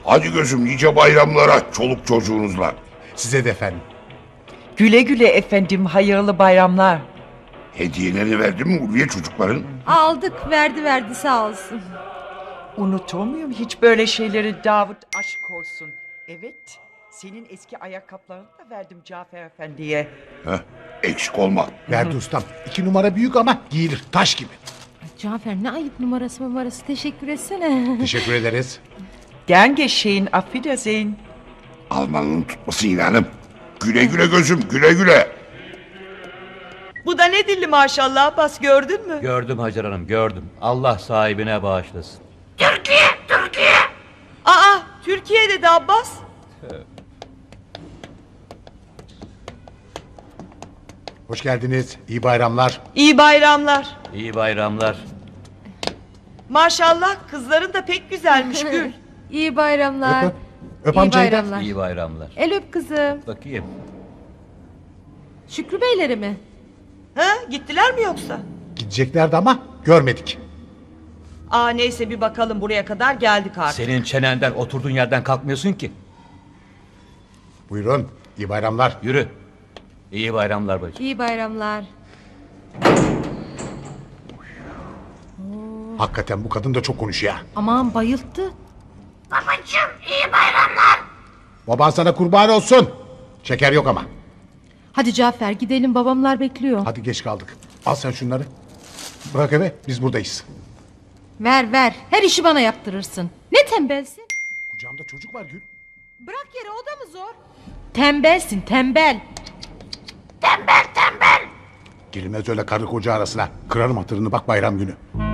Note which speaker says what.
Speaker 1: Hadi gözüm nice bayramlara çoluk çocuğunuzla.
Speaker 2: Size de efendim.
Speaker 3: Güle güle efendim, hayırlı bayramlar.
Speaker 1: Hediyelerini verdin mi Ulviye çocukların?
Speaker 4: Aldık, verdi sağ olsun.
Speaker 3: Unutur muyum hiç böyle şeyleri Davut, aşk olsun. Evet, senin eski ayakkabılarını da verdim Cafer Efendi'ye.
Speaker 1: Heh, eksik olma.
Speaker 2: Verdi ustam. 2 numara büyük ama giyilir taş gibi.
Speaker 4: Cafer ne ayıp numarası teşekkür etsene.
Speaker 2: Teşekkür ederiz.
Speaker 3: Gern geschehen, auf Wiedersehen.
Speaker 1: Almanın tutması inanım. Güle güle gözüm, güle güle.
Speaker 3: Bu da ne dilli maşallah Abbas, gördün mü?
Speaker 5: Gördüm Hacer Hanım, gördüm. Allah sahibine bağışlasın.
Speaker 3: Aa, Türkiye'de de Abbas.
Speaker 2: Hoş geldiniz. İyi bayramlar.
Speaker 3: İyi bayramlar.
Speaker 5: İyi bayramlar.
Speaker 3: Maşallah kızların da pek güzelmiş Gül.
Speaker 4: İyi bayramlar.
Speaker 2: Öp, öp
Speaker 4: İyi
Speaker 2: amcayı da.
Speaker 4: bayramlar.
Speaker 5: İyi bayramlar.
Speaker 4: El öp kızım.
Speaker 5: Bakayım.
Speaker 4: Şükrü Beyleri mi?
Speaker 3: Ha, gittiler mi yoksa?
Speaker 2: Gideceklerdi ama görmedik.
Speaker 3: Aa neyse bir bakalım, buraya kadar geldik artık.
Speaker 5: Senin çenenden oturduğun yerden kalkmıyorsun ki.
Speaker 2: Buyurun. İyi bayramlar.
Speaker 5: Yürü. İyi bayramlar bacım.
Speaker 4: İyi bayramlar.
Speaker 2: Hakikaten bu kadın da çok konuşuyor.
Speaker 4: Aman bayılttı.
Speaker 2: Baban sana kurban olsun. Şeker yok ama.
Speaker 4: Hadi Cafer gidelim, babamlar bekliyor.
Speaker 2: Hadi geç kaldık. Al sen şunları. Bırak eve, biz buradayız.
Speaker 4: Ver her işi bana yaptırırsın. Ne tembelsin?
Speaker 2: Kucağımda çocuk var Gül.
Speaker 4: Bırak yere, o da mı zor? Tembelsin tembel.
Speaker 2: Girilmez öyle karı koca arasına. Kırarım hatırını bak bayram günü.